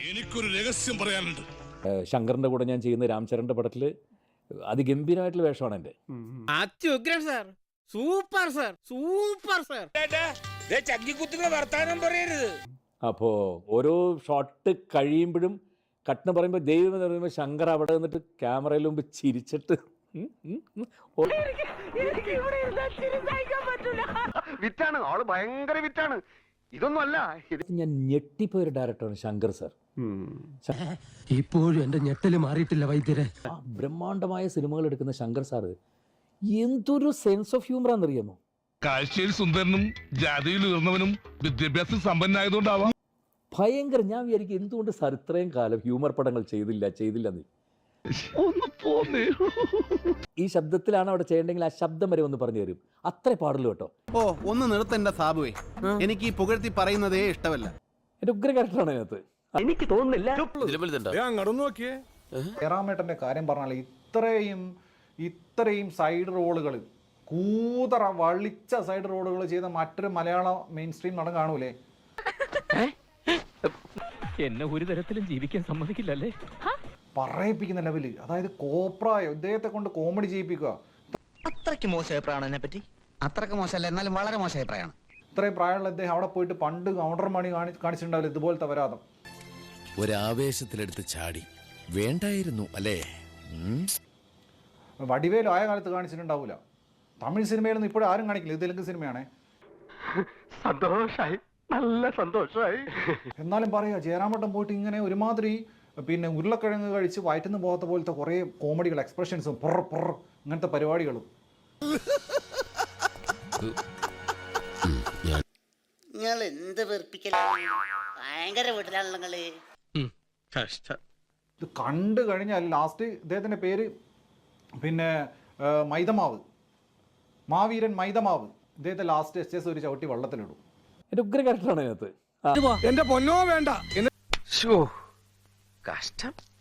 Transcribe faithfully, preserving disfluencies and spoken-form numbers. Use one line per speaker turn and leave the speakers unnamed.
എനിക്കൊരു രഹസ്യം പറയാനുണ്ട്.
ശങ്കറിന്റെ കൂടെ ഞാൻ ചെയ്യുന്ന രാംചരന്റെ പടത്തിൽ അതിഗംഭീരമായിട്ടുള്ള വേഷമാണ് എൻ്റെ.
അത്യുഗ്രൻ sir, super sir, super sir. വർത്താനം പറയരുത്.
അപ്പോൾ ഓരോ ഷോട്ട് കഴിയുമ്പോഴും കട്ടെന്ന് പറയുമ്പോൾ ദൈവം എന്ന് പറയുമ്പോൾ ശങ്കർ അവിടെ നിന്നിട്ട് ക്യാമറയിൽ മുമ്പ് ചിരിച്ചിട്ട്
വിറ്റാണ് ആള്, ഭയങ്കര വിറ്റാണ്. ഇതൊന്നും അല്ല,
ഞാൻ ഞെട്ടിപ്പോയൊരു ഡയറക്ടറാണ് ശങ്കർ സാർ.
ഇപ്പോഴും എന്റെ ഞെട്ടല് മാറിയിട്ടില്ല വൈദ്യരെ.
ആ ബ്രഹ്മാണ്ഡമായ സിനിമകൾ എടുക്കുന്ന ശങ്കർ സാറ് എന്തൊരു സെൻസ് ഓഫ് ഹ്യൂമർ ആണെന്നറിയാമോ?
കാഴ്ചയിൽ സുന്ദരനും ജാതിയിൽ ഉയർന്നവനും വിദ്യാഭ്യാസം സമ്പന്നായതുകൊണ്ടാവാം.
ഭയങ്കര. ഞാൻ വിചാരിക്കും എന്തുകൊണ്ട് സാർ ഇത്രയും കാലം ഹ്യൂമർ പടങ്ങൾ ചെയ്തില്ല ചെയ്തില്ലെന്ന്. ഈ ശബ്ദത്തിലാണ് അവിടെ ചെയ്യേണ്ടെങ്കിൽ ആ ശബ്ദം വരെ ഒന്ന് പറഞ്ഞു തരും. അത്രേ പാടുള്ളൂ കേട്ടോ.
ഓ ഒന്ന് നിർത്തണ്ട സാബുവേ, എനിക്ക് ഈ പുകഴ്ത്തി പറയുന്നതേ ഇഷ്ടമല്ല.
എൻ്റെ ഉഗ്ര ക്യാരക്ടറാണ് അതിനകത്ത്.
എനിക്ക് തോന്നുന്നില്ല.
ജയറാമേട്ടൻ്റെ കാര്യം പറഞ്ഞാൽ ഇത്രയും ഇത്രയും സൈഡ് റോളുകൾ, കൂതറ വളിച്ച സൈഡ് റോളുകൾ ചെയ്ത മറ്റൊരു മലയാള മെയിൻ സ്ട്രീം നടൻ കാണൂലേ?
എന്നെ ഒരു തരത്തിലും ജീവിക്കാൻ സമ്മതിക്കില്ലല്ലേ?
പറയിപ്പിക്കുന്ന ലെവല്. അതായത് കോപ്രായോ ഇദ്ദേഹത്തെ കൊണ്ട് കോമഡി ചെയ്യിപ്പിക്കുക.
അത്രയ്ക്ക് മോശം അഭിപ്രായമാണ് എന്നെ പറ്റി. അത്രയ്ക്ക് മോശമല്ല, എന്നാലും വളരെ മോശം അഭിപ്രായമാണ്.
ഇത്രയും പ്രായമുള്ള അദ്ദേഹം അവിടെ പോയിട്ട് പണ്ട് കൗണ്ടർ മണി കാണി കാണിച്ചിട്ടുണ്ടാവില്ല ഇതുപോലത്തെ വരാതം.
ഒരാവേശത്തിലെടുത്ത് ചാടി വേണ്ടായിരുന്നു അല്ലേ?
വടിവേലും ആയ കാലത്ത് കാണിച്ചിട്ടുണ്ടാവില്ല. തമിഴ് സിനിമയിലൊന്നും ഇപ്പോഴും ആരും കാണിക്കില്ല. ഇത് തെലുങ്ക് സിനിമയാണേ.
സന്തോഷായി, നല്ല സന്തോഷായി.
എന്നാലും പറയുക ജയറാമേട്ടൻ പോയിട്ട് ഇങ്ങനെ ഒരുമാതിരി പിന്നെ ഉരുളക്കിഴങ്ങ് കഴിച്ച് വയറ്റുന്ന പോകാത്ത പോലത്തെ കുറേ കോമഡികൾ, എക്സ്പ്രഷൻസും പൊറ പൊറ അങ്ങനത്തെ പരിപാടികളും.
നിങ്ങൾ എന്ത് വെറുപ്പിക്കലാണ്, ഭയങ്കര വീട്ടിലാണല്ലോ നിങ്ങള്.
ഇത് കണ്ടു കഴിഞ്ഞാൽ ലാസ്റ്റ് ഇദ്ദേഹത്തിൻ്റെ പേര് പിന്നെ മൈദമാവ്, മാവീരൻ മൈദമാവ്. ഇദ്ദേഹത്തെ ലാസ്റ്റ് എസ് എസ് ഒരു ചവിട്ടി വെള്ളത്തിലിടും.
എൻ്റെ ഉഗ്ര ക്യാരക്ടറാണ് അതിനകത്ത്.
എന്റെ പൊന്നോ വേണ്ട.
കഷ്ടം.